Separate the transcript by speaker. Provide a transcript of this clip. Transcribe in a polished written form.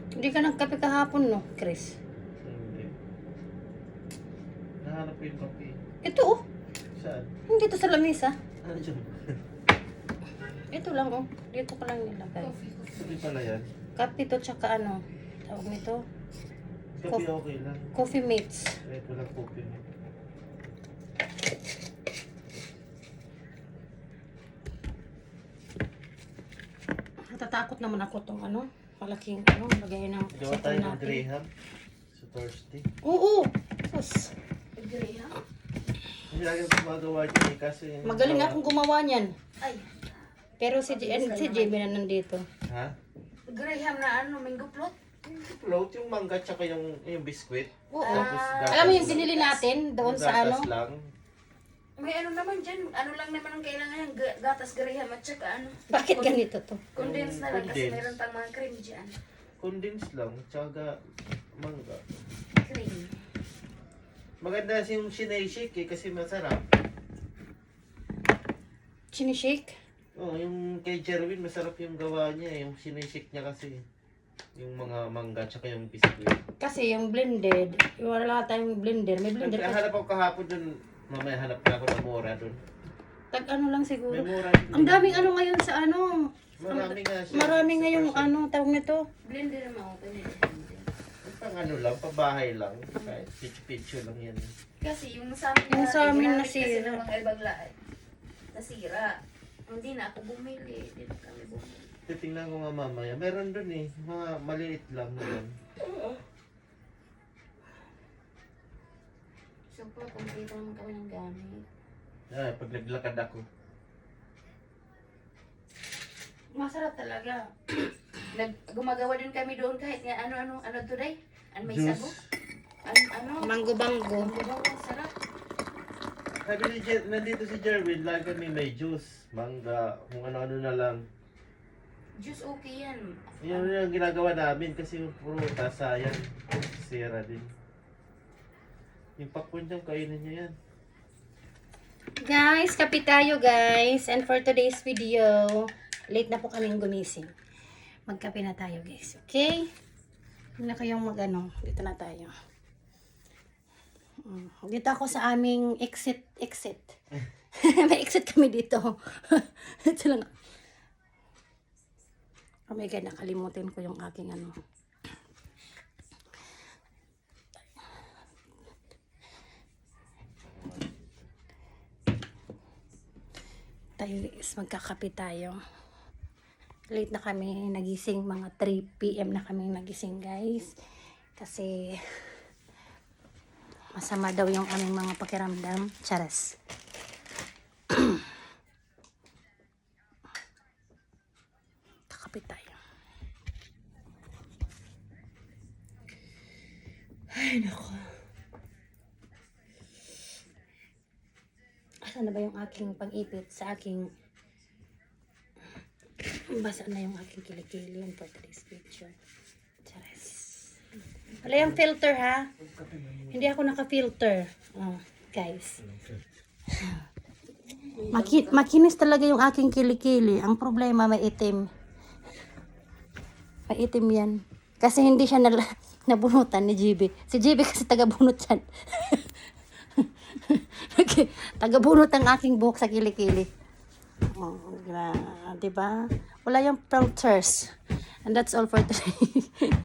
Speaker 1: Hindi ka nagkape kahapon, no, Chris?
Speaker 2: Hindi. Nahanap ko yung kape.
Speaker 1: Ito, oh.
Speaker 2: Saan?
Speaker 1: Hindi to sa lamesa.
Speaker 2: Ano dyan?
Speaker 1: Ito lang, oh. Dito ko lang nilagay.
Speaker 2: Hindi pala yan.
Speaker 1: Kape to, tsaka ano, tawag nito,
Speaker 2: Kape okay lang.
Speaker 1: coffee mates.
Speaker 2: Ito lang kape.
Speaker 1: Natatakot naman ako tong ano, malaking ano, lagay ng
Speaker 2: Gawa tayo ng Graham. So Thursday.
Speaker 1: Oo! Sus.
Speaker 3: Graham?
Speaker 2: Hindi lagi ako gumagawa dyan eh. Kasi
Speaker 1: Magaling akong gumawa niyan.
Speaker 3: Ay,
Speaker 1: Pero si JB na nandito.
Speaker 2: Ha?
Speaker 3: Graham na ano, mango float?
Speaker 2: Float yung mangga tsaka yung biskwit.
Speaker 1: Oo.
Speaker 2: Tapos gatas.
Speaker 1: Alam mo yung binili natin doon sa ano?
Speaker 2: Gatas lang.
Speaker 3: May ano naman dyan, ano lang naman ang kailangan yan, gatas Graham at saka ano.
Speaker 1: Bakit ganito to?
Speaker 3: Condense na lang kasi
Speaker 2: Condense.
Speaker 3: meron pang mga cream dyan.
Speaker 2: Condensed lang. Tsaka mangga.
Speaker 3: Cream.
Speaker 2: Maganda yung sinay-shake eh kasi masarap.
Speaker 1: Sinishake?
Speaker 2: Oh, yung kay Jerwin masarap yung gawa niya eh. Yung sinay-shake niya kasi. Yung mga mangga tsaka yung biskwit.
Speaker 1: Kasi yung blended, wala tayong blender. May blender kasi.
Speaker 2: Hanap ako kahapon dun. Mamaya hanap na ako ng mura dun.
Speaker 1: Tag ano lang siguro.
Speaker 2: May mura din.
Speaker 1: Ang daming ano ngayon sa ano.
Speaker 2: Marami nga siya.
Speaker 1: Marami
Speaker 2: Sa
Speaker 1: ngayong
Speaker 2: person.
Speaker 1: ano, tawag nito.
Speaker 3: Blender naman ako, pwede blender.
Speaker 2: Pang ano lang, pabahay lang. Kahit pitch-pitch lang yan.
Speaker 3: Kasi yung sa amin,
Speaker 1: Yung sa amin
Speaker 3: ginamit kasi
Speaker 1: nasira.
Speaker 3: ng mga ibang lahat. Nasira. Hindi na ako bumili. Hindi na kami bumili.
Speaker 2: Titingnan ko nga mamaya. Meron dun eh. Mga maliit lang na yan.
Speaker 3: So po, kumpleto naman kami ng gamit.
Speaker 2: Ah, pag naglakad ako.
Speaker 1: Masarap talaga.
Speaker 3: Gumagawa din kami doon kahit nga ano today? Ano may
Speaker 2: Juice.
Speaker 3: sago? Ano?
Speaker 1: Mango-bango.
Speaker 3: Sarap.
Speaker 2: Sabi ni nandito si Jerwin, lagi kami may juice, mangga, kung ano-ano na lang.
Speaker 3: Juice okay yan.
Speaker 2: Yan yung ginagawa namin kasi yung prutas, sayang. Sira din. Yung pakwan niyang kainin niyo yan.
Speaker 1: Guys, kape tayo guys. And for today's video, late na po kaming gumising. Magkape na tayo guys. Okay? Hindi na kayong mag-ano. Dito na tayo. Dito ako sa aming exit. May exit kami dito. Ito lang. Oh my God, nakalimutin ko yung aking ano. Tayo guys, magkakape tayo. Late na kami nagising, mga 3 PM na kami nagising guys. Kasi masama daw yung aming mga pakiramdam. Charas. Kakape tayo. Ay, nako. Asan na ba yung aking pang-ipit sa aking... Basa na yung aking kilikili for today's picture. Charas. Wala yung filter ha. Hindi ako naka-filter. Oh, guys. Makinis talaga yung aking kilikili. Ang problema, may itim. May itim yan. Kasi hindi siya nabunutan ni GB. Si GB kasi taga-bunot yan. Okay. Taga-bunot ang aking buhok sa kilikili. Oh, diba? Wala yung filters. And that's all for today.